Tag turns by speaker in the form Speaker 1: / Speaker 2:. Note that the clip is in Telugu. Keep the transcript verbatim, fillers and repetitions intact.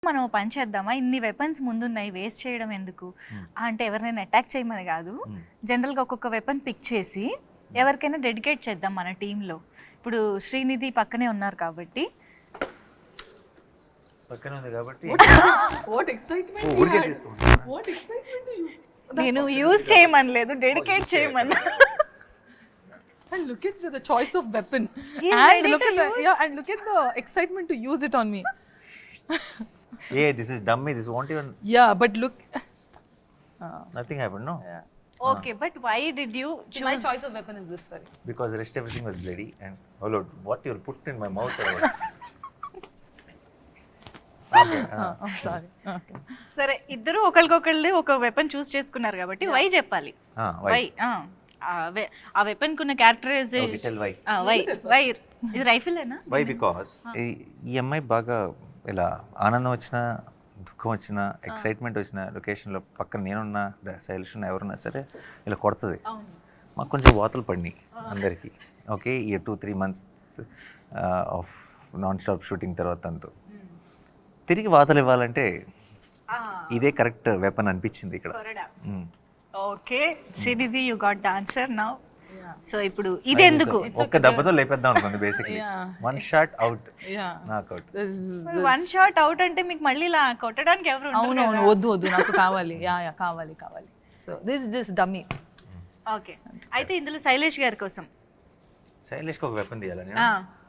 Speaker 1: మనం పని చేద్దామా, ఇన్ని వెపన్స్ ముందున్నాయి వేస్ట్ చేయడం ఎందుకు అంటే ఎవరినైనా అటాక్ చేయమని కాదు, జనరల్గా ఒక్కొక్క వెపన్ పిక్ చేసి ఎవరికైనా డెడికేట్ చేద్దాం మన టీంలో. ఇప్పుడు శ్రీనిధి పక్కనే ఉన్నారు కాబట్టి
Speaker 2: పక్కనే ఉంది కాబట్టి
Speaker 3: What excitement!
Speaker 2: ఓ
Speaker 3: you
Speaker 2: ఊరికే
Speaker 3: had.
Speaker 2: తీసుకోండి.
Speaker 3: What excitement you!
Speaker 1: నేను యూజ్ చేయమనలేదు, డెడికేట్ చేయమన్నా.
Speaker 3: And look at the, the choice of weapon.
Speaker 1: He's
Speaker 3: and
Speaker 1: ready
Speaker 3: look
Speaker 1: to
Speaker 3: at the
Speaker 1: use.
Speaker 3: yeah, and look at the excitement to use it on me.
Speaker 2: Hey this is dummy, this won't even
Speaker 3: Yeah, but look. Uh,
Speaker 2: nothing happened no
Speaker 3: yeah.
Speaker 1: Okay, but why did you
Speaker 3: My choice of weapon is this very.
Speaker 2: Because rest everything was bloody and oh lord what you put in my mouth or okay
Speaker 3: Uh, I'm sorry. Okay.
Speaker 1: సరే, ఇద్దరు ఒకరికొకళ్ళు ఒక వెపన్ చూస్ చేసుకున్నారు కాబట్టి వై చెప్పాలి.
Speaker 2: ah why
Speaker 1: వై ఆ వెపన్ కున్న characterization
Speaker 2: okay tell why
Speaker 1: why why ఇది రైఫిలేనా?
Speaker 2: why because ఈ అమ్మాయి బాగా ఇలా ఆనందం వచ్చినా దుఃఖం వచ్చినా ఎక్సైట్మెంట్ వచ్చిన లొకేషన్లో పక్కన నేనున్నా శైలిష్ ఉన్నా ఎవరున్నా సరే ఇలా కొడుతుంది. మాకు కొంచెం వాతలు పడినాయి అందరికీ. ఓకే, ఈ two three months of non stop shooting తర్వాత అంతా తిరిగి వాతలు ఇవ్వాలంటే ఇదే కరెక్ట్ వెపన్ అనిపించింది ఇక్కడ.
Speaker 1: Okay Srinidhi, you got the answer now. So ఇప్పుడు ఇది ఎందుకు
Speaker 2: ఒక్క దెబ్బతో లేపేద్దాం అనుకుంది basically. One shot out,
Speaker 3: Yeah.
Speaker 2: Knock out.
Speaker 3: This is.
Speaker 1: One shot out అంటే మీకు మళ్ళీ ఇలా కొట్టడానికి ఎవరు ఉండరు
Speaker 3: అవును అవును
Speaker 1: కదా?
Speaker 3: వద్దు వద్దు నాకు కావాలి. యా యా కావాలి కావాలి. So this just dummy.
Speaker 1: Okay, అయితే ఇందులో శైలేష్ గారి కోసం
Speaker 2: శైలేష్కి ఒక వెపన్ తీయాలని
Speaker 1: ఆ